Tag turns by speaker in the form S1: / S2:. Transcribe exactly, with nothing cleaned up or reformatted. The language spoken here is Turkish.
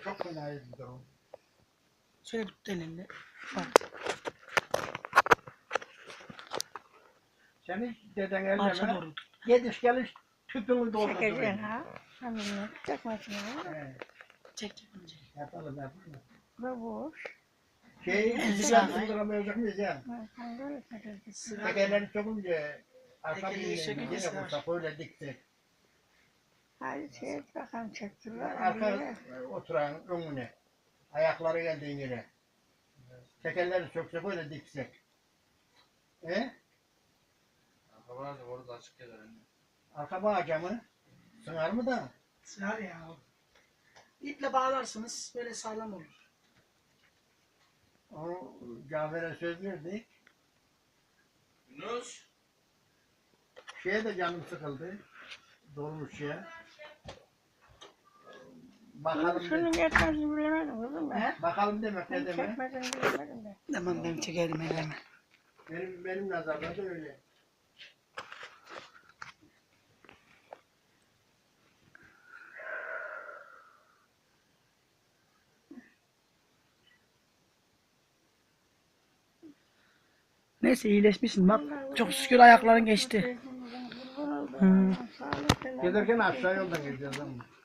S1: çok fena bir durum.
S2: Şöyle tut elinde. Bak.
S1: Seni deden
S2: Marşa
S1: elleme.
S2: doğru tut.
S1: Gidiş geliş tüpünü
S3: Çekeceksin
S1: doldurdu.
S3: ha. Hamile çekmesine.
S1: Evet.
S2: Çek çek bunu çek.
S1: Yapalım yapalım.
S3: Bu boş.
S1: Şey,
S2: Elli
S1: sıra
S2: saniye.
S1: sındıramayacak mıyız ya?
S3: Ben böyle çekeceğim.
S2: Sıra.
S1: Tekerleri çokunca arka
S2: Tekerleği
S1: bir
S2: çekince
S1: yine
S2: sıra.
S1: vursak öyle diktik.
S3: Hadi şey bakalım çektiler.
S1: Arka oturan önüne. Ayakları geldiği yere. Tekerleri söksek öyle diksek. E?
S4: Arka var da orada açık gelir.
S1: Arka bağaca mı? Sığar mı da?
S2: Sığar ya. İple bağlarsınız böyle sağlam olur.
S1: Onu Cafer'e söz verdik.
S4: Yunus.
S1: Şeye de canım sıkıldı. Dolmuş ya. Bakalım
S3: Şunun
S1: de,
S3: yetmezini bilemedim kızım ben.
S1: bakalım demek ne
S3: Ben
S1: demek?
S3: çekmediğini bilemedim ben.
S2: Tamam ben çekerim elleme.
S1: Benim benim nazarımda da öyle.
S2: Neyse iyileşmişsin bak. Çok şükür ayakların geçti.
S3: Kurban oldum.
S2: Hı.
S3: Sağlık, selamet.
S1: Gelirken aşağı yoldan gideceğiz ama.